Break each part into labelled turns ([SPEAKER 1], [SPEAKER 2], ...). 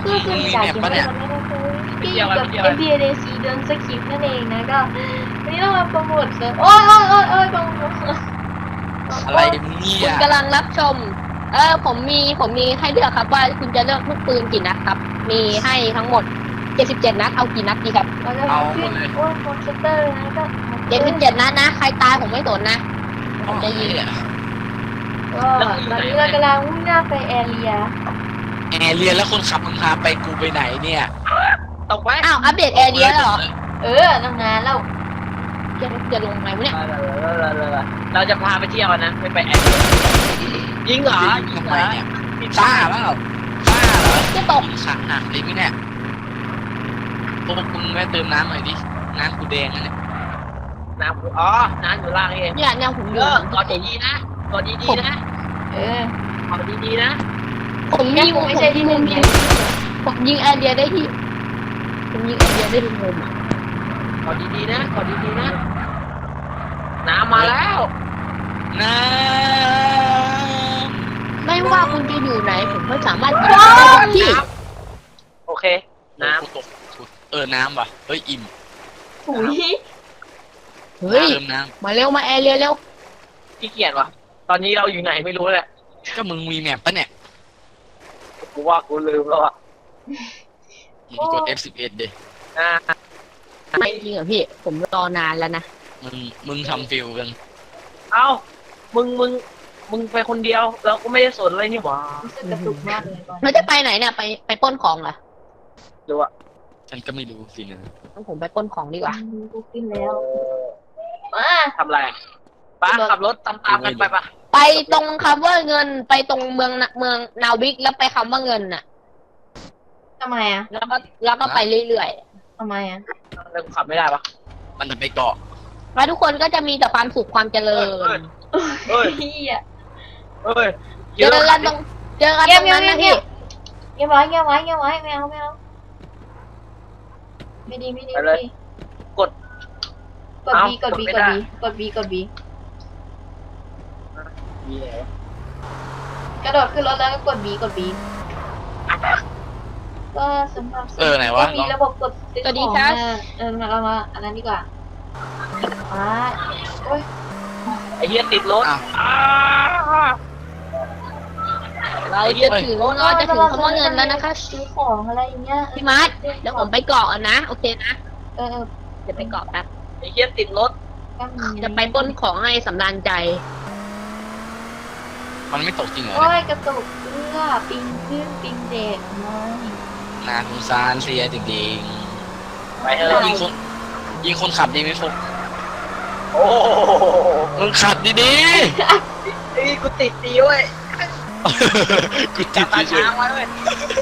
[SPEAKER 1] ก็ส่วนใหญ่ยังไม่ได้ที่อยู่กับ NBA DC เดินสคริปต์นั่นเองนะก็วันนี้เรามาโปรโมทเลยโอ้ยโปรโมท
[SPEAKER 2] อะไรมึงเนี่
[SPEAKER 3] คุ
[SPEAKER 2] ย
[SPEAKER 3] ณกำลังรับชมผมมีให้เลือกครับว่าคุณจะเลือกลูกปืนกี่นัดครับมีให้ทั้งหมด77นัดเอากี่นัดดีครับ
[SPEAKER 1] เราจะขึ้นโอ้ยคอมพิวเตอร์นะก็
[SPEAKER 3] 77นัดนะใครตายผมไม่สนนะผมจะยิง
[SPEAKER 1] ก็ตอนนี้เรากำลังมุ่งหน้าไปแอเรีย
[SPEAKER 2] แอร์เรียนแล้วคนขับมึงพาไปกูไปไหนเนี่ย
[SPEAKER 4] ตกไหม
[SPEAKER 3] อ้าวอัปเดตแอร์เดียแล้วเหรอ
[SPEAKER 1] ตั้งนานแล้ว
[SPEAKER 3] จะลงไหนวะเนี่ย
[SPEAKER 4] เราจะพาไปเที่ยวนะไม่ไปแอดยิงเหรอยิง
[SPEAKER 2] ทำ
[SPEAKER 4] เห
[SPEAKER 2] ไม
[SPEAKER 4] รอ
[SPEAKER 2] เนี่ยบ้าเปล่าบ้าเหรอ
[SPEAKER 3] จะตก
[SPEAKER 2] ขาหักเลยมั้ยเนี่ยพวกมึงแม่เติมน้ำหน่อยดิน้ำกูแดงนะเนี่ย
[SPEAKER 4] น้ำอ๋อน้ำอยู่ล่างเอง
[SPEAKER 3] เนี่ยผมอยู่
[SPEAKER 4] กอดดีๆนะกอดดีๆนะ
[SPEAKER 1] เออก
[SPEAKER 4] อดดีๆนะ
[SPEAKER 3] ผมมี
[SPEAKER 1] ผมไม่ใช่ที่มุมนี้
[SPEAKER 3] ผมยิงแอร์เดียได้ที่ผมยิงแอร์เดียได้ทุกมุมอ่ะ
[SPEAKER 4] กอดดีๆนะกอดดีๆนะน้ำมาแล้ว
[SPEAKER 2] น้
[SPEAKER 3] ไม่ว่าคุณจะอยู่ไหนผมก็สามารถยิงได้ทุกที่
[SPEAKER 4] โอเค
[SPEAKER 2] ำ
[SPEAKER 4] น้ำ
[SPEAKER 2] กูตกน้ำว่ะเฮ้ยอิ่ม
[SPEAKER 1] หุย
[SPEAKER 3] เฮ้ย
[SPEAKER 2] เติมน้
[SPEAKER 3] มาเร็วมาแอร์เรียเร็ว
[SPEAKER 4] ขี้เกียจว่ะตอนนี้เราอยู่ไหนไม่รู้แหละ
[SPEAKER 2] ำก็มึงมีแมปปะเนี่ย
[SPEAKER 4] กูว่ากูลืมแล้วอ่ะ
[SPEAKER 2] มึงกด F11 ดิ
[SPEAKER 4] อ่า
[SPEAKER 3] ไม่จริงเหรอพี่ผมรอนานแล้วนะ
[SPEAKER 2] มึงทำฟิลกัน
[SPEAKER 4] เอ้ามึงไปคนเดียวแล้วก็ไม่ได้สนเลยนี่หว่า
[SPEAKER 1] รู้สึกกระตุกมากเลยตอน
[SPEAKER 3] เราจะไปไหนเนี่ยไปปล้นของเหรอ
[SPEAKER 4] ดูอ่ะ
[SPEAKER 2] ฉันก็ไม่รู้สินะ
[SPEAKER 3] งั้นผมไปปล้นของดีกว่า
[SPEAKER 1] กูขึ้นแล้วมา
[SPEAKER 4] ทำอะไรป้าขับรถตามๆกันไปปะ
[SPEAKER 3] ไปตรงคำว่าเงินไปตรงเมืองนาวิกแล้วไปคำว่าเงินน่ะ
[SPEAKER 1] ทำไมอ่ะ
[SPEAKER 3] แล้วก็ไปเรื่อย
[SPEAKER 1] ทำไมอ่ะ
[SPEAKER 4] เริ่มขับไม่ได้ปะ
[SPEAKER 2] มันจะไปเกาะ
[SPEAKER 3] ๆแล้วทุกคนก็จะมีแต่ความสุขความเจริญ
[SPEAKER 4] เฮ้ย
[SPEAKER 1] เฮีย
[SPEAKER 4] เฮ้ย
[SPEAKER 3] เจอกันตรงนั้นนะพี่
[SPEAKER 1] เงียบไว้ไม่เอาไม่ดีกด B กด B กระโดดขึ้นรถแล้วก็กด B ก็สำหรับ
[SPEAKER 2] ไหนวะ
[SPEAKER 1] ก็มีระบบกดซื้อของนะเรามาอันนั้นดีกว่าโอ้ย
[SPEAKER 4] ไอ้เหี้ยติดรถ
[SPEAKER 3] เราจะถึงคำว่าเงินแล้วนะคะ
[SPEAKER 1] ซื้อของอะไรอย่างเงี้ย
[SPEAKER 3] พี่มาร์ทเดี๋ยวผมไปเกาะนะโอเคนะ
[SPEAKER 1] เออ
[SPEAKER 3] เดี๋ยวไปเกาะแป๊บ
[SPEAKER 4] ไอ้เหี้ยติดรถ
[SPEAKER 1] ก็มี
[SPEAKER 3] จะไปปล้นของให้สำราญใจ
[SPEAKER 2] มันไม่ตกจริงเหรอ
[SPEAKER 1] โอ้
[SPEAKER 2] เนี่ย
[SPEAKER 1] ยกระตุกเสื้อปิงขึ้นปิงเด็กไม่
[SPEAKER 2] นาสงสารเสียจริง
[SPEAKER 4] ไปเถ
[SPEAKER 2] ๆ
[SPEAKER 4] อะ
[SPEAKER 2] ยิงคนขับดีไหมฟุก
[SPEAKER 4] โอ้โห
[SPEAKER 2] มึงขับดี
[SPEAKER 4] ไอ้กูติดดีเว้ย
[SPEAKER 2] ๆ กูติด
[SPEAKER 4] ตา
[SPEAKER 2] เฉ
[SPEAKER 4] ช้าย งไว้เว้ย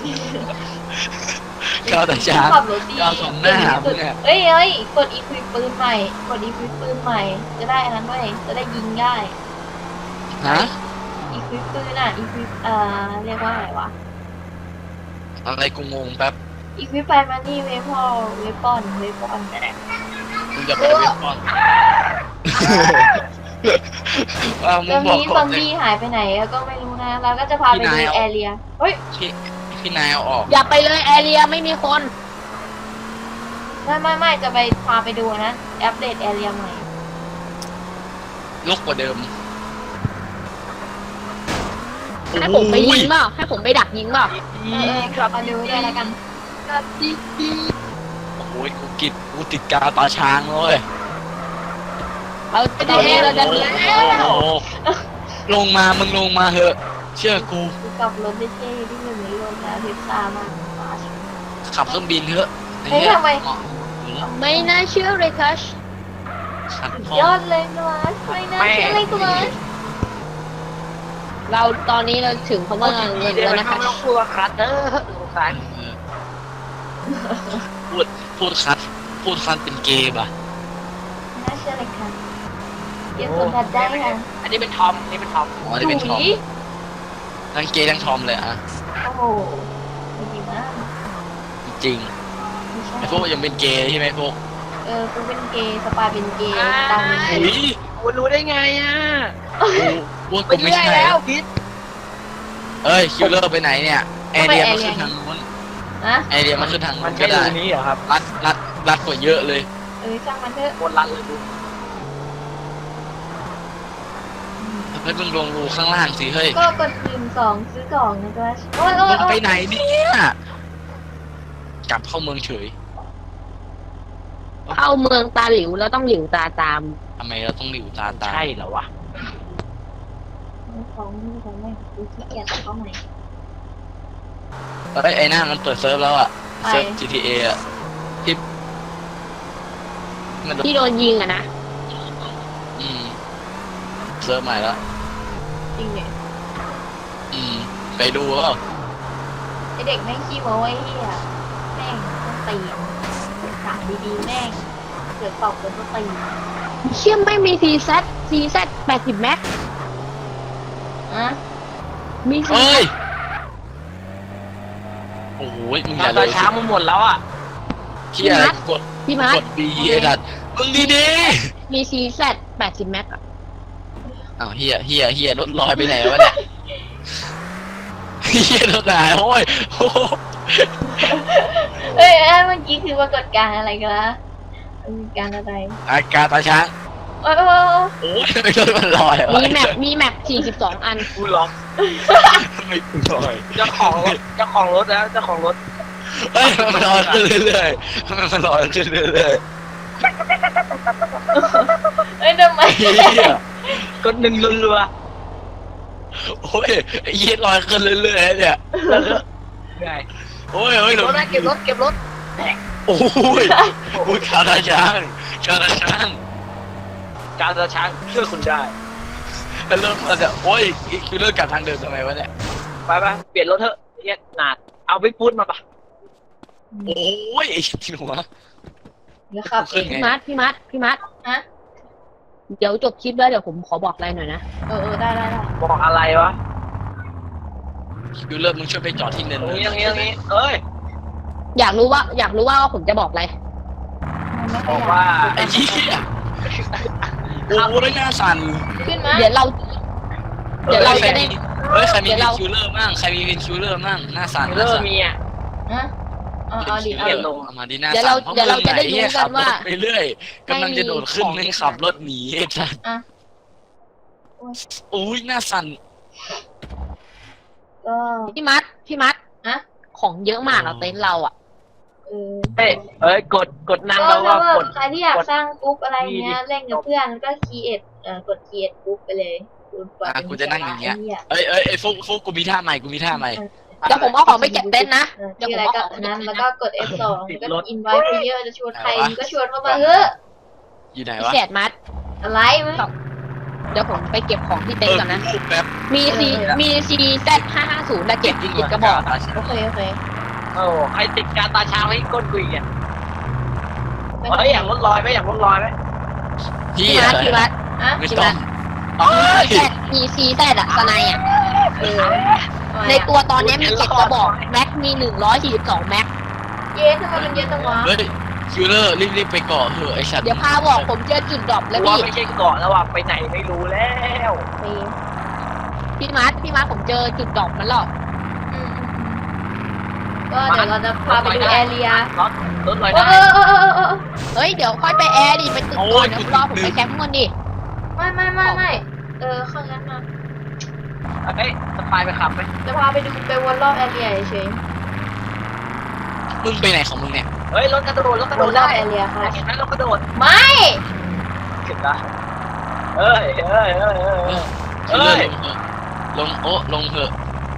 [SPEAKER 2] ๆก้าวแต่ช้าง
[SPEAKER 1] ขับรถดี
[SPEAKER 2] ก้าวสองหน้ามึงเนี่ย
[SPEAKER 1] เอ้ยกดอีควิปปืนใหม่จะได้อันนั้นด้วยจะได้ยิงได้
[SPEAKER 2] ฮะ
[SPEAKER 1] อีควิปปืนอีควิปเรียกว่าอะไรวะ
[SPEAKER 2] อะไรกูงงแป๊บ
[SPEAKER 1] อีควิปไปมานี่เวพอเวปอน
[SPEAKER 2] มึงจะไปเว็บก่อนมึ
[SPEAKER 1] แล้
[SPEAKER 2] ง
[SPEAKER 1] ว
[SPEAKER 2] บอก
[SPEAKER 1] นี้ซ
[SPEAKER 2] ก่อ
[SPEAKER 1] อน ม
[SPEAKER 2] เลย
[SPEAKER 1] บี้หายไปไหนก็ไม่รู้นะเราก็จะพาไปดูแอเรียเฮ้ย
[SPEAKER 2] พี่นายเอาออก
[SPEAKER 3] อย่าไปเลยแอเรียไม่มีคน
[SPEAKER 1] ไม่จะไปพาไปดูนะอัปเดตแอเรียใหม่
[SPEAKER 2] ลกกว่าเดิม
[SPEAKER 3] ให้ผมไปยิงเปล่าให้ผมไปดักยิงเปล่า
[SPEAKER 4] ครับ
[SPEAKER 1] มาดูด้วยแล้วกัน
[SPEAKER 2] โอ้โหกูติดกาวตาช้างเลย
[SPEAKER 3] เราจะได้เราจะ
[SPEAKER 2] โอ้โหลงมามึงลงมาเหอะ เชื่อกู
[SPEAKER 1] ขับรถได้เท่ที่หนึ่งในโลกนะเทสซามาก
[SPEAKER 2] ขับเครื่องบินเถอะ
[SPEAKER 1] เฮ้ยทำไม
[SPEAKER 3] ไม่น่าเชื่อเลยคัช
[SPEAKER 2] ขับ
[SPEAKER 1] ยอดเลยนะไม่น่าเชื่อเลยกูเลย
[SPEAKER 3] เราตอนนี้เราถึงคำว่าเงิน
[SPEAKER 4] เดี๋ยว
[SPEAKER 3] แล้ว
[SPEAKER 4] มัน
[SPEAKER 3] นะคะ
[SPEAKER 4] ไม่ต้องพูดว่าคัตเตอร์สงสาร
[SPEAKER 2] พูดคัดเป็นเกย์ป่ะ
[SPEAKER 1] น่าเชื่อเลยค่ะเดี๋ยวสัมผัสได้ค่ะ
[SPEAKER 4] อันนี้เป็นทอมอันนี้เป็นทอม
[SPEAKER 2] อ๋อนี่เป็นทอมทั้งเกย์ทั้งทอมเลยอะ
[SPEAKER 1] โอ้โหดีมาก
[SPEAKER 2] จริงไอ้พวกยังเป็นเกย์ใช่ไหมพวก
[SPEAKER 1] กูเป็นเกย์สปายเป็นเกย์ตังเป็นเก
[SPEAKER 2] อุ้
[SPEAKER 1] ย์
[SPEAKER 2] ย
[SPEAKER 4] คุณรู้ได้ไงอ่ะ
[SPEAKER 2] พวก
[SPEAKER 4] ไป
[SPEAKER 2] กูไม่
[SPEAKER 4] เรื่อย
[SPEAKER 2] ใช่
[SPEAKER 4] แล้วพิษ
[SPEAKER 2] เอ้ยคิวเลอร์ไปไหนเนี่ยแอร์เรียมาขึ้นทางนู้น
[SPEAKER 1] นะ
[SPEAKER 2] ไอเดียมันคือทาง
[SPEAKER 4] มั
[SPEAKER 2] มัน น
[SPEAKER 4] ใช่
[SPEAKER 2] ก็
[SPEAKER 4] รู
[SPEAKER 2] ได้
[SPEAKER 4] นี้เหรอครับ
[SPEAKER 2] รัดกว่าเยอะเลย
[SPEAKER 1] ช่างมันเถอะ
[SPEAKER 4] โคตรรัดเลยดู
[SPEAKER 2] เฮ้ยมึงลงรูข้างล่างสิเฮ้ย
[SPEAKER 1] ก็กด1 2ซื้อกล่องนะจ๊ะโอ้ยโอ้
[SPEAKER 2] มึ
[SPEAKER 1] ย
[SPEAKER 2] ง
[SPEAKER 1] โอ้
[SPEAKER 2] ไป
[SPEAKER 1] ย
[SPEAKER 2] ไหนเนี่ยกลับเข้าเมืองเฉย
[SPEAKER 3] เข้าเมืองตาหลิวแล้วต้องหลิวตาตาม
[SPEAKER 2] ทำไมเราต้องหลิวตาตา
[SPEAKER 4] ใช่เหรอวะ
[SPEAKER 1] ของไม่ดูขี้เกียจเข้าใหม่
[SPEAKER 2] เฮ้ยไอ้หน้ามันเปิดเซิร์ฟแล้วอ่ะ
[SPEAKER 1] ไป
[SPEAKER 2] เซิร์ฟ GTA อ่ะที่มัน
[SPEAKER 3] ที่โดนยิงอะนะ
[SPEAKER 2] อืมเซิร์ฟใหม่แล้ว
[SPEAKER 1] จริงเนี่ย
[SPEAKER 2] ไปดูเปล่า
[SPEAKER 1] ไอเด็กแม่งขี้โม้ไอ้เหี้ยแม่งต้องตีนสั่งดีๆแม่งเกิดตอบกันต้องตีน
[SPEAKER 3] เชื่อไม่มีCZ 80 แม็ก
[SPEAKER 1] อะ
[SPEAKER 3] มี
[SPEAKER 2] เฮ้ยโอ้ยมึงอย่า
[SPEAKER 4] ต
[SPEAKER 2] เล
[SPEAKER 4] อน
[SPEAKER 2] ย
[SPEAKER 4] เช้ามันหมดแล้วอ่ะ
[SPEAKER 2] เที่ยอะไรกด
[SPEAKER 3] พี่มาร์
[SPEAKER 2] ก
[SPEAKER 3] ท
[SPEAKER 2] ด B ไอ้ดัดมึงดี
[SPEAKER 3] มี CZ 80 แม็กอะ
[SPEAKER 2] ๆอ้าวเฮียรถลอยไปไหนวะเนี่ยเฮียรถหายโอ้ยโอ้โห
[SPEAKER 1] เอ้ยเมื่อกี้คือปรากฏการณ์อะไรกันละปรากฏการณ์อะไร
[SPEAKER 2] อาการตาช้าง
[SPEAKER 1] โอ้ยโอ้ยโอ้ย
[SPEAKER 2] โอ้ยทำไมรถมันลอยอะ
[SPEAKER 3] มีแมป42 อัน
[SPEAKER 4] กูล็อก
[SPEAKER 2] ทำไมมันลอย
[SPEAKER 4] เจ้าของรถแล้วเจ้าของรถ
[SPEAKER 2] เฮ้ยมันลอยขึ้นเรื่อยๆทำไมมันลอยขึ้นเรื่อย
[SPEAKER 1] เอ้ยทำไม
[SPEAKER 2] ๆเฮีย
[SPEAKER 4] กดหนึ่งรัว
[SPEAKER 2] โอ้ยไอ้เหี้ยลอยขึ้นเรื่อยๆเนี่ย
[SPEAKER 4] ๆไง
[SPEAKER 2] โอ้ยโอ้ย
[SPEAKER 4] รถนะเก็บรถ
[SPEAKER 2] โอ้ยโอ้ยคาราช้าง
[SPEAKER 4] การตาช้างช่วยคุณได้
[SPEAKER 2] แล้วเริ่มมาจะโอ้ยคือเริ่มกลับทางเดิมทำไมวะเนี่ย
[SPEAKER 4] ไปเปลี่ยนรถเถอะเฮียหนาดเอาไปพูดมาปะ
[SPEAKER 2] โอ้ยไอ้ที่หัว
[SPEAKER 1] เดี๋ยวขับเอ
[SPEAKER 2] ขึ้น
[SPEAKER 1] ง
[SPEAKER 2] ไง
[SPEAKER 3] พี่มาร์ท
[SPEAKER 1] ฮะ
[SPEAKER 3] เดี๋ยวจบคลิปแล้วเดี๋ยวผมขอบอกอะไรหน่อยนะ
[SPEAKER 1] ได้
[SPEAKER 4] บอกอะไรวะ
[SPEAKER 2] คือเริ่มมึงช่วยไปจอดที่เนิน
[SPEAKER 4] อย่างนี้เอ้ย
[SPEAKER 3] อยากรู้ว่าผมจะบอกอะไร
[SPEAKER 1] มันไม่
[SPEAKER 4] บ
[SPEAKER 1] ค่อ
[SPEAKER 4] อย ก
[SPEAKER 1] อยาก
[SPEAKER 4] ว่า
[SPEAKER 2] ไอ้เหี้ยโอ้ยหน้าสั่น
[SPEAKER 1] ขึ้นมา
[SPEAKER 3] เดี๋ยวเราจะได้
[SPEAKER 2] เฮ้ยใครมี
[SPEAKER 3] เดี๋ยว
[SPEAKER 2] วิ
[SPEAKER 3] เรา
[SPEAKER 2] นคิวเลอร์มั่งใครมีวินคิวเลอร์มั่งหน้าสั่น
[SPEAKER 4] เริ่มมีอ่ะ
[SPEAKER 1] ฮะเอาดิ
[SPEAKER 2] เดี๋ยวมาดีหน้าสั่นเพราะมึงไหนเหี้ยขับรถไปเรื่อยกำลังจะโดดขึ้นไม่ขับรถหนีไอ้สัสโอ้ยหน้าสั่น
[SPEAKER 1] ก็
[SPEAKER 3] พี่มัด
[SPEAKER 1] ฮะ
[SPEAKER 3] ของเยอะมากเราเต็นท์เราอ่ะ
[SPEAKER 4] เอ้ยกดนั่งแล้วว่ากด
[SPEAKER 1] ใครที่อยากสร้างกรุ๊ปอะไรเงี้ยเล่นกับเพื่อนก็กด create กรุ๊ปไปเลย
[SPEAKER 2] กูจะนั่งอย่างเงี้ยเอ้ยฟุกกูมีท่าใหม่
[SPEAKER 3] เดี๋ยวผมเอาของไปเก็บเต็นท์นะ
[SPEAKER 1] ชื่ออะไรก็นั้นแล้วก็กด F2 แล้วก็ invite player จะชวนใครมึงก็ชวนเข้ามาเฮ้ย
[SPEAKER 2] อยู่ไหน
[SPEAKER 3] พิ
[SPEAKER 2] วะ
[SPEAKER 3] เศษมัด
[SPEAKER 1] อะไรมึง
[SPEAKER 3] เดี๋ยวผมไปเก็บของที่เต็นท์ก่อนนะ
[SPEAKER 2] แป๊บ
[SPEAKER 3] มี CZ550 และเก็บอีกกระบอก
[SPEAKER 1] โอเค
[SPEAKER 4] โอ้ใครติดการตาช้างให้ก้นกุยอ่ะเฮ้ยอยากรถลอยไหม
[SPEAKER 2] พี่
[SPEAKER 3] พี่มัด
[SPEAKER 1] ฮะ
[SPEAKER 2] ไม่ต้อง
[SPEAKER 3] มี CZ อะสไนอะ ใน
[SPEAKER 1] ตั
[SPEAKER 3] ตัวตอนนี้มี7กระบอก แม็กมี142 แม็ก
[SPEAKER 1] เย้ทำไมมันเยอะจังวะ
[SPEAKER 2] เฮ้ยคิวเลอร์รีบไปเกาะเถอะไอ้สัตว์
[SPEAKER 3] เดี๋ยวพาบอกผมเจอจุดดรอปแล้ว
[SPEAKER 4] ว่า
[SPEAKER 3] พี่
[SPEAKER 4] ไม่ใช่เกาะแล้วว่ะไปไหนไม่รู้แล้ว
[SPEAKER 3] พี่มัดผมเจอจุดดรอปมันหรอก
[SPEAKER 1] ก็เดี๋ยวเราจะพาไปดูแอเรีย
[SPEAKER 4] รถลอย
[SPEAKER 1] โอ้
[SPEAKER 4] ได้
[SPEAKER 3] เฮ้ยเดี๋ยวค่อยไปแอร์ดิไปตึกก่อนเดี๋ยวรอผมไปแคมป์ก่อนดิ
[SPEAKER 1] ไม่ข้างนั้นมา
[SPEAKER 4] เฮ้ยสปายไปขับไหม
[SPEAKER 1] จะพาไปดูไปวนรอบแอเรียเฉย
[SPEAKER 2] มึงไปไหนของมึงเนี่ย
[SPEAKER 4] เฮ้ยรถกระโดด
[SPEAKER 1] วนรอบ
[SPEAKER 4] ได้
[SPEAKER 1] แอเรียค่ะ
[SPEAKER 4] เห็นไหมรถกระโดด
[SPEAKER 1] ไม่
[SPEAKER 4] เห็นได้เฮ้ย
[SPEAKER 2] คิวเลอร์ลงเถอะ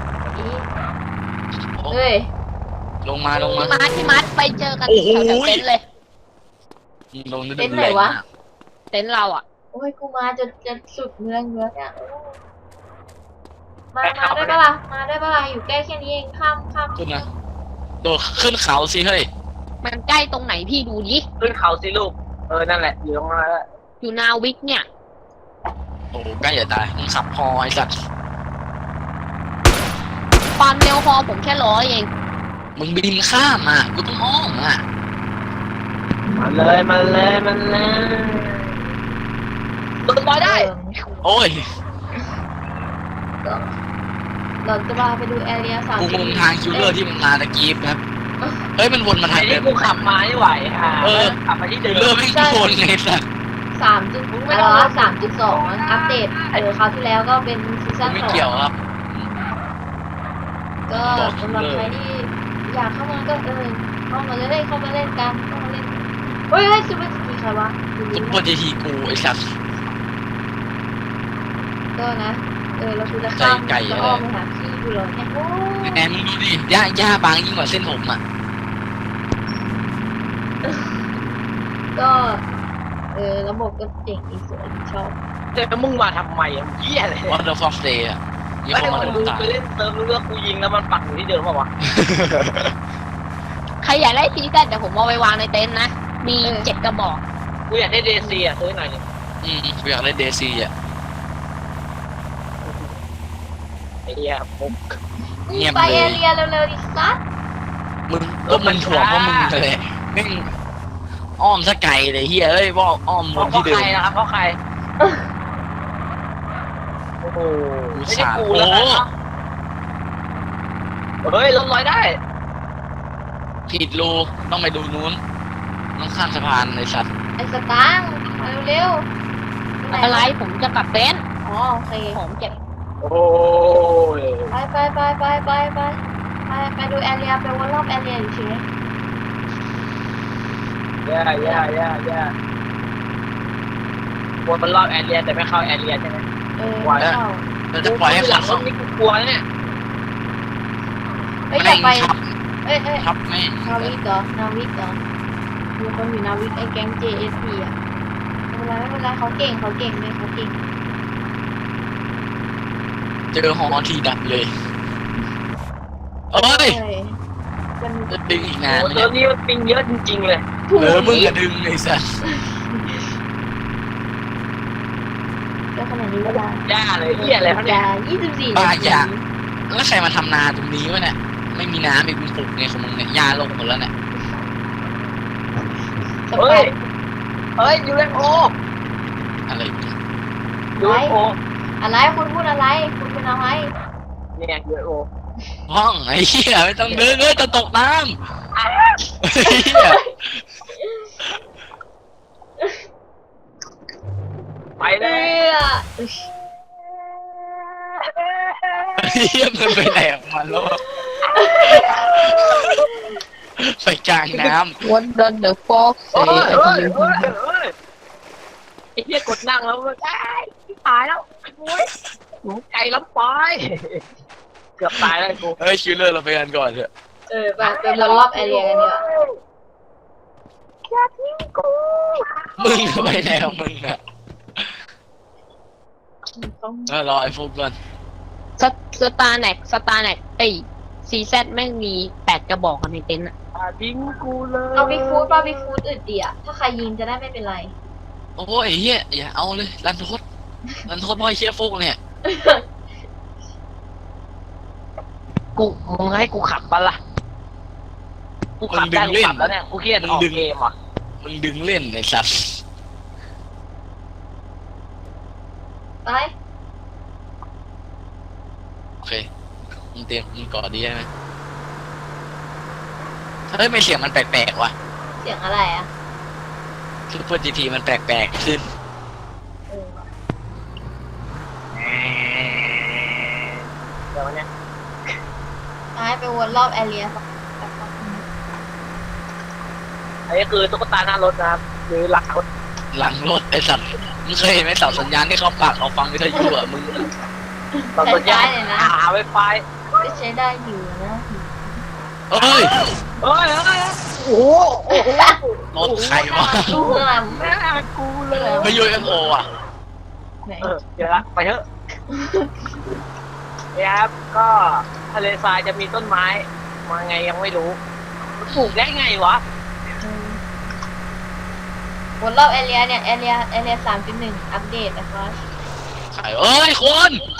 [SPEAKER 1] เฮ้ย
[SPEAKER 2] ลงมา
[SPEAKER 3] พี่มัดไปเจอกันแถวเต็นท์เลย
[SPEAKER 2] ลง
[SPEAKER 3] เต็นท์เราอ่ะ
[SPEAKER 1] โอ้ยกูมาจะสุดเมืองเนี่ยมาได้ปะล่ะอยู่ใกล้แค่นี้เองข้าม
[SPEAKER 2] ขึ้นนะโดดขึ้นเขาสิเฮ้ย
[SPEAKER 3] มันใกล้ตรงไหนพี่ดูดิ
[SPEAKER 4] ขึ้นเขาสิลูกนั่นแหละอยู่ตรงนั้นแหละ
[SPEAKER 3] อยู่นาวิกเนี่ย
[SPEAKER 2] โอ้ใกล้จะตายมึงขับพอไอ้สัตว์
[SPEAKER 3] ความเร็วพอผมแค่100เอง
[SPEAKER 2] มึงบินข้ามอ่ะกูต้องอ้อมอ่ะ
[SPEAKER 4] มันเลยรถลอยได้
[SPEAKER 2] โอ้ย
[SPEAKER 1] เราจะพาไปดูแอเรีย
[SPEAKER 2] กูงงทางคิวเลอร์ที่มันมาตะกี้ครับเฮ้ยมันวนมา
[SPEAKER 4] ไอ้
[SPEAKER 2] ทางเดิ
[SPEAKER 4] ที่
[SPEAKER 2] ม
[SPEAKER 4] กูขับมาไม่ไหวค่ะ
[SPEAKER 2] เออ
[SPEAKER 4] ขับมาที่เดิม
[SPEAKER 2] เริ่มไม่โดนไงสัส
[SPEAKER 1] 3.2อัปเดตคราวที่แล้วก็เป็นซีซั่น
[SPEAKER 2] ไม่
[SPEAKER 1] 2
[SPEAKER 2] เกี่ยวครับ
[SPEAKER 1] ก็สำหรับใครที่อยากเข้ามาก็เข้ามาเลยเข้ามาเล่นกันเข้ามาเล่นเฮ้ยซูเปอร์จีใครวะ
[SPEAKER 2] ซุปเปอร์จีทีกูไอ้สัส
[SPEAKER 1] ก็นะเราคือจะข้ามจะอ้อมไปหาพี่กูเลยโอ้
[SPEAKER 2] แอนมึงดูดิหญ้าบางยิ่งกว่าเส้นผมอ่ะ
[SPEAKER 1] ก็ระบบก็เจ๋งอีสวยชอบ
[SPEAKER 4] แต่มึงมาทำไมอ่ะเหี้ยเลย
[SPEAKER 2] วันเดอร์ฟอร์เดย์อ่ะยี่
[SPEAKER 4] ไม่
[SPEAKER 2] ห้อ
[SPEAKER 4] ได้
[SPEAKER 2] มัน
[SPEAKER 4] มึง
[SPEAKER 2] ตา
[SPEAKER 4] ไปเล่นเติมรู้ว่ากูยิงแล้วมันปักอยู่ที่เดิมป่าวะ
[SPEAKER 3] ใครอยากได้ซีซั่นเดี๋ยวผมเอาไปวางในเต็นท์นะ มี7 กระบอก
[SPEAKER 4] กูอยากได้เดซีอ่ะซื้อหน่อยนึง
[SPEAKER 2] กูอยากเล่นเดซีอ่ะ
[SPEAKER 4] ไอ้เหี้ยปุ๊บ
[SPEAKER 2] เงียบ
[SPEAKER 1] ไป
[SPEAKER 2] เลย
[SPEAKER 1] เรียเร็วๆดิซัด
[SPEAKER 2] มึงก็มันถ่วงเพราะมึงเลยแม่งอ้อมสะไก่เลยเฮียเอ้ยบอกอ้อม
[SPEAKER 4] เพ
[SPEAKER 2] วน
[SPEAKER 4] ราะ
[SPEAKER 2] ที่เดิ
[SPEAKER 4] ใคร
[SPEAKER 2] ม
[SPEAKER 4] นะครับเพราะใครโอ้โหไม่ใช่กู
[SPEAKER 2] โอ้
[SPEAKER 4] แล้ว
[SPEAKER 2] โห
[SPEAKER 4] กันเฮ้ยลดร้อยได้
[SPEAKER 2] ผิดรูต้องไปดูนู้นต้องข้ามสะพานไอ้สัตว์
[SPEAKER 1] ไอ้สตางค์มาเร็วๆ
[SPEAKER 3] อะไรผมจะกลับเต็นท์
[SPEAKER 1] อ๋อโอเค
[SPEAKER 3] ผมเก็บ
[SPEAKER 4] โอ้ย
[SPEAKER 1] ไปดูแอเรียไปวนรอบแอเรียเฉย
[SPEAKER 4] แย่วนมันรอบแอเรียแต่ไม่เข้าแอเรียใช่ไหม
[SPEAKER 1] ไม่เข้า
[SPEAKER 2] เราจะปล่อยให้
[SPEAKER 4] หลั
[SPEAKER 2] เขา
[SPEAKER 4] งรถนี่กูกลัวเนี่ย
[SPEAKER 1] อยากไป
[SPEAKER 2] ทับ
[SPEAKER 1] นา
[SPEAKER 2] แม่ง
[SPEAKER 1] วิกเหรอมีคนอยู่นาวิกไอ้แก๊ง JSP อ่ะไม่เป็นไรเขาเก่งเลยเขาเก่ง
[SPEAKER 2] เจอฮอทีดับเลยเอ้ยจะดึงอีกนาน
[SPEAKER 4] โอ้
[SPEAKER 2] ไหม
[SPEAKER 4] เติ
[SPEAKER 2] เนี่ย
[SPEAKER 4] มนี้มันปิงเยอะจริงๆเลย
[SPEAKER 2] มึงอะดึงไอ้สัส
[SPEAKER 1] ก็ขนาดนี้เวลา
[SPEAKER 4] ย่าเลยเหี้ยอะไรเขาเนี่ย
[SPEAKER 1] 24
[SPEAKER 2] บ้าอย่าแล้วใครมาทำนาตรงนี้วะเนี่ยไม่มีน้ำอีกมึงปลูกไงของมึงเนี่ยยาลงหมดแล้วเนี่ย
[SPEAKER 4] เฮ้ยยูเอฟโอ
[SPEAKER 2] อะไรเนี่ย
[SPEAKER 4] ยูเอฟโอ
[SPEAKER 1] อะไรคุณพูดอะไรคุณเป็นอะไร
[SPEAKER 4] เนี่ยยูเอฟโอ
[SPEAKER 2] ห้องไอ้เหี้ยไม่ต้องดึงจะตกน้ำไอ้เหี้ย
[SPEAKER 4] ไปเลย
[SPEAKER 2] เหี้ยมันไปไหนออกมาแล้วไปกลางน้
[SPEAKER 3] What does the fox
[SPEAKER 4] เฮ้
[SPEAKER 3] say
[SPEAKER 4] ยไอ้เหี้ยกดนั่งแล้วตายแล้วโอ้ยหนูใจล้ำไปเกือบตายแล้วกู
[SPEAKER 2] ำเฮ้ยคิวเลอร์เราไปกันก่อนเถอะ
[SPEAKER 1] ไปวนรอบแอเรียกันดีกว่า
[SPEAKER 4] อย่าทิ้งกู
[SPEAKER 2] มึงไปไหนของมึงอะรอไอ้ฟุกก่อน
[SPEAKER 3] สตาร์แน็กซีแซดแม่งมี8 กระบอกกันในเต็นท์อะ
[SPEAKER 4] อย่าทิ้งกูเลย
[SPEAKER 1] เอาบิ๊กฟูดอึดดีอะถ้าใครยิงจะได้ไม่เป็นไร
[SPEAKER 2] โอ้ยเฮียอย่าเอาเลยรันโทษพ่อยเชี่ยฟุกเนี่ย
[SPEAKER 4] กูมึงให้กูขับปะล่ะกูขับได้กูขับแล้วเนี่ยกูเครียดออกเกมอ่ะ
[SPEAKER 2] มึงดึงเล่นไอ้สัส
[SPEAKER 1] ไป
[SPEAKER 2] โอเคมึงเตรียมมึงก่อนดีใช่ไหมเฮ้ยไม่เสียงมันแปลกๆว่ะ
[SPEAKER 1] เสียงอะไรอะ
[SPEAKER 2] ซูเปอร์จีทีมันแปลกๆขึ้น
[SPEAKER 4] เดี๋ยวเนี่ย
[SPEAKER 1] ไปวนรอบแอเรีย
[SPEAKER 4] อันนี้คือตุ๊กตาหน้ารถนะครับหรือหลังรถ
[SPEAKER 2] หลังรถไอ้สัสมึงเคยเห็นไหมเสาสัญญาณที่เขาปักเอาฟังวิทยุอ่ะมึง
[SPEAKER 4] ต่อสัญญาณหาไวไฟ
[SPEAKER 1] ก็ใช้ได้อยู่นะ
[SPEAKER 2] เอ้ย
[SPEAKER 4] โอ้โห
[SPEAKER 2] รถใครวะ
[SPEAKER 1] ดูข้างหลัง
[SPEAKER 4] แม่กูเลย
[SPEAKER 2] ไม่ยูเอฟโออ่ะ
[SPEAKER 1] ไหน
[SPEAKER 4] เดี๋ยวละไปเถอะนี่ครับก็ทะเลทรายจะมีต้นไม้มาไงยังไม่รู้ปลูกได้ไงวะ
[SPEAKER 1] วนรอบแอเรียเนี่ยแอเรีย3.1 อัปเดตนะคะ
[SPEAKER 2] ใครเอ้ยคน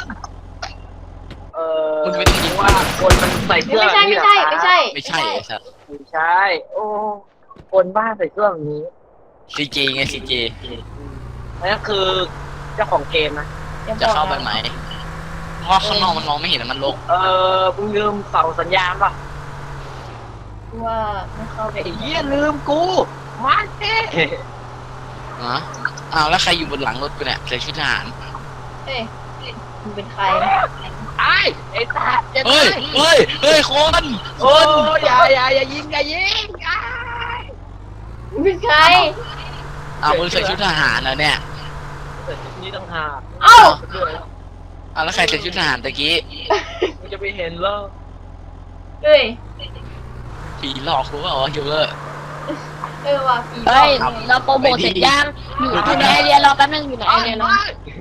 [SPEAKER 2] มึงไม่ต้องยิง
[SPEAKER 4] ว่าคนมันใส่เสื้อ
[SPEAKER 1] ไม่ใช่
[SPEAKER 2] ไม่ใช่ไอ้สัส
[SPEAKER 4] ไม่ใช่โอ้คนบ้าใส่เสื้อแบบนี้
[SPEAKER 2] ซีเจไงซีเจ
[SPEAKER 4] นั่นคือเจ้าของเกมนะ
[SPEAKER 2] จะเข้าไปไหมเพราะข้างนอกมันมองไม่เห็นมันลก
[SPEAKER 4] มึงลืมเสาสัญญาณป่ะ
[SPEAKER 1] ว่าไม่เข้าไป
[SPEAKER 4] ไอ้เหี้ยลืมกูมันเอ๊
[SPEAKER 2] ฮะอ้าวแล้วใครอยู่บนหลังรถกูเนี่ยใส่ชุดทหาร
[SPEAKER 1] เฮ้ยมึงเป็นใคร
[SPEAKER 4] ไอ้ตาจะ
[SPEAKER 2] เฮ้ย
[SPEAKER 4] ตาย
[SPEAKER 2] เฮ้ยเฮ้ยคน
[SPEAKER 4] โอ้ยอย่ายิงอ้าย
[SPEAKER 1] มึงเป็นใคร
[SPEAKER 2] อ้าวมึงใส่ชุดทหารนะเนี่ย
[SPEAKER 4] แต่ชุดนี้ต้องหา
[SPEAKER 1] เอ้า
[SPEAKER 2] อ้าวแล้วใครใส่ชุดทหารตะกี้
[SPEAKER 4] มึงจะไปเห็นเหรอ
[SPEAKER 1] เฮ้ย
[SPEAKER 2] ผีหลอกรู้ว่าอ๋อฮิวเลอร์
[SPEAKER 1] ว่ะผีหล
[SPEAKER 3] เฮ้
[SPEAKER 1] อย ก
[SPEAKER 3] เราโปรโมทเสร็จยังอยู่ในไอเรียรอแป๊บนึงอยู่ในไอเรียรอ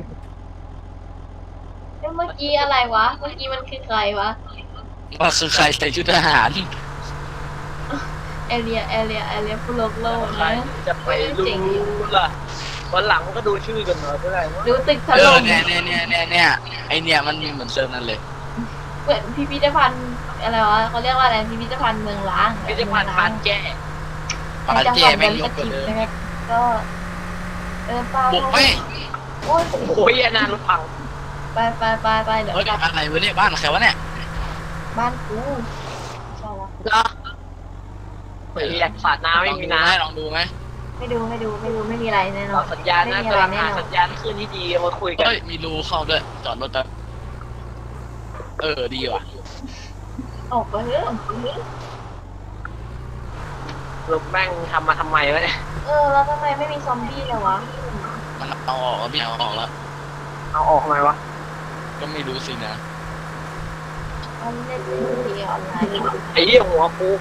[SPEAKER 1] เมื่อกี้อะไรวะ เมื่อกี้มันคือใครวะ
[SPEAKER 2] ว่าคือใครใส่ชุดทหาร
[SPEAKER 1] เอเลียผู้โลกโลก
[SPEAKER 4] ใคร
[SPEAKER 1] นะ
[SPEAKER 4] จะไปรู้ล่ะวันหลังก็ดูชื่อกันหน่อยก็ได้ว่า
[SPEAKER 1] ดูตึกถ
[SPEAKER 2] เอ
[SPEAKER 1] ล่
[SPEAKER 2] อ
[SPEAKER 1] ม
[SPEAKER 2] เนี่ยไอเนี่ยมันมีเหมือนเซิร์ฟนั่นเลย
[SPEAKER 1] เหมือนพิพิธภัณฑ์อะไรวะเขาเรียกว่าอะไรพิพิธภัณฑ์เมืองล้าง
[SPEAKER 4] ไม่ใช่ผ่านผ่านแก้
[SPEAKER 2] ปาเจแม่งยก
[SPEAKER 1] ส
[SPEAKER 2] กว่า
[SPEAKER 1] ถิต
[SPEAKER 2] เดิม
[SPEAKER 1] นะครับก็ป้า
[SPEAKER 2] บุกไป
[SPEAKER 1] โอ้ย
[SPEAKER 4] โอ้ยนานรถพัง
[SPEAKER 1] ไปเดี๋ยว
[SPEAKER 2] เฮ้ย
[SPEAKER 1] กลับ
[SPEAKER 2] อะไรวะเนี่ยบ้านใครวะเนี่ย
[SPEAKER 1] บ้านกูใช่ละ
[SPEAKER 3] รอ
[SPEAKER 4] ไอ้แหลกสาดน้ำไม่มีน้
[SPEAKER 2] ลองดูไหม
[SPEAKER 1] ไม่ดูไม่มีอะไรแน่
[SPEAKER 4] ำ
[SPEAKER 1] นอ
[SPEAKER 4] เรา
[SPEAKER 1] น
[SPEAKER 4] สัญญาณนะ
[SPEAKER 1] ไม่มี
[SPEAKER 4] กำลัง
[SPEAKER 1] อะไรแน่
[SPEAKER 4] หาน
[SPEAKER 1] อน
[SPEAKER 4] สัญญาณขึ้นที่ดีมาคุยกัน
[SPEAKER 2] เฮ้ยมีรูเข้าด้วยจอดรถแป๊บดีว่ะ
[SPEAKER 1] ออกไปเถอะ
[SPEAKER 4] รถแม่งทำมาทำไมวะเนี่ย
[SPEAKER 1] แล้วทำไมไม่มีซอมบี้เลยวะ
[SPEAKER 2] มันเอาออกแล้วไม่เอาออกแล้ว
[SPEAKER 4] เอาออกทำไมวะ
[SPEAKER 2] ก็ไม่รู้สินะ
[SPEAKER 1] มันเล่นดีออนไลน์
[SPEAKER 4] ไอ้เหี้ยหัวกู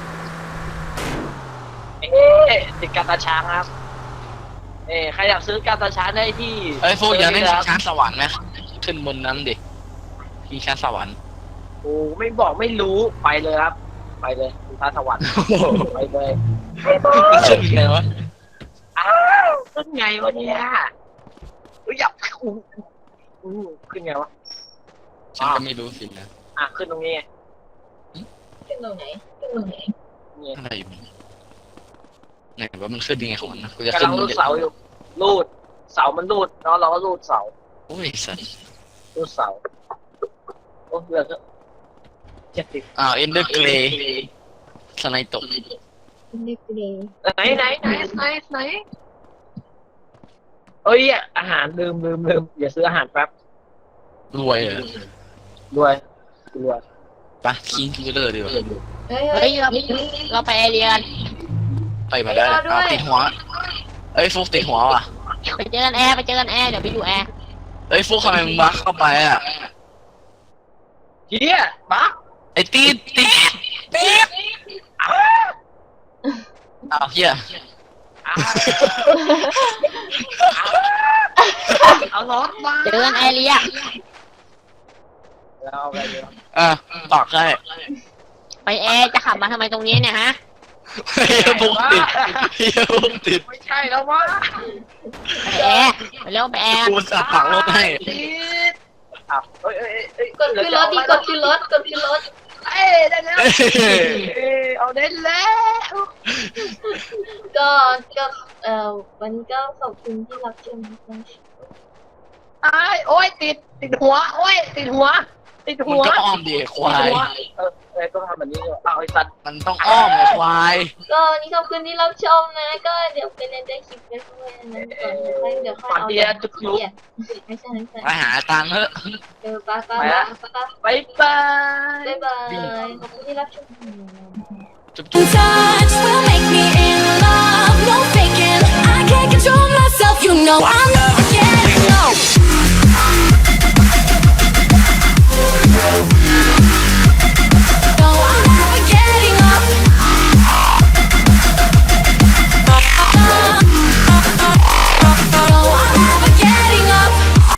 [SPEAKER 4] ติดการตาช้างครับใครอยากซื้อการตาช้างได้ที่
[SPEAKER 2] เอ้ยพวกยังได้ชิงช้าสวรรค์ไหมขึ้นบนนั้นดิชิงช้าสวรรค์
[SPEAKER 4] โอ้ไม่บอกไม่รู้ไปเลยครับ ไปเลยคุณพระสวรรค์ไปเลย
[SPEAKER 2] ขึ้นไงวะ
[SPEAKER 4] อ้าวขึ้นไงวะเนี่ยอย่าขึ้นไงวะ
[SPEAKER 2] ฉันก็ไม่รู้สินะ
[SPEAKER 4] ขึ้นตรงนี้
[SPEAKER 1] ขึ้นตรงไหน
[SPEAKER 4] นี่
[SPEAKER 2] อะไรอยู่ไหนว่ามันขึ้นยังไงของมันนะกูจะ
[SPEAKER 4] กำ
[SPEAKER 2] ขึ้
[SPEAKER 4] ลั
[SPEAKER 2] น
[SPEAKER 4] งรูดเสาอยู่รูดเสามันรูดแล้วเราก็รูดเสา
[SPEAKER 2] โอ้ยสัส
[SPEAKER 4] รูดเสาโอ้เหลือ70
[SPEAKER 2] อ้าวเอ็นเดอร์เกรย์สไนตก
[SPEAKER 1] ขึ้นเล็กเลย
[SPEAKER 4] ไหนเอ้ยอาหารลืมอย่าซื้ออาหารแป๊บ
[SPEAKER 2] รวยเหรอ
[SPEAKER 4] รวย
[SPEAKER 2] ปะคิงคิลเลอร์ดีกว่า
[SPEAKER 1] เฮ้ย
[SPEAKER 3] เฮ้ยเราไปไอเรียกัน
[SPEAKER 2] ไปมาได้อ้าวติดหัวเอ้ยฟุกติดหัวว่ะ
[SPEAKER 3] ไปเจอกันแอร์เดี๋ยวไปอยู่แอร์
[SPEAKER 2] เอ้ยฟุกทำไมมึงบักเข้าไปอ่ะ
[SPEAKER 4] เฮียบัก
[SPEAKER 2] ไอ้ตีดอ้าวเฮีย
[SPEAKER 4] เอารถมา
[SPEAKER 3] เจอกันไอเรีย
[SPEAKER 4] เอาไปเลย
[SPEAKER 2] ตอกได้
[SPEAKER 3] ไปแอร์จะขับมาทำไมตรงนี้เนี่ยฮะ
[SPEAKER 2] เฮียฟุกติด
[SPEAKER 4] ไม่ใช่แล้วมั้ง
[SPEAKER 3] ไปแอร์ไปเร็วไปแอร์
[SPEAKER 2] กูสับปักรถให้
[SPEAKER 4] เอ้ย
[SPEAKER 1] กดขึ้นรถดิกดขึ้นรถ
[SPEAKER 4] ได้แล้วเอาได้แล้ว
[SPEAKER 1] ก็วันนี้ก็ขอบคุณที่รับชมนะคะ
[SPEAKER 4] โอ้ยติดหัวโอ้ยติดหัว
[SPEAKER 2] มันก็อ้อมดีควาย
[SPEAKER 4] ต้องทำแบบนี้เอาไอ้สัตว์
[SPEAKER 2] มันต้องอ้อมไอ้ควาย
[SPEAKER 1] ก็วันนี้ขอบคุณที่รับชมนะ ก็เดี๋ยวไปเล่นได้คลิปกันด้วยนะก่อนเดี๋ยวค่อยเอาไม่ใช่
[SPEAKER 2] ไปหาตังค์เถอะ
[SPEAKER 1] ป้า
[SPEAKER 4] บ๊ายบาย
[SPEAKER 1] บ๊ายบายขอบคุณที่รับชม
[SPEAKER 2] จุ๊บ
[SPEAKER 5] Touch will make me in love, no faking. I can't control myself, you know I'm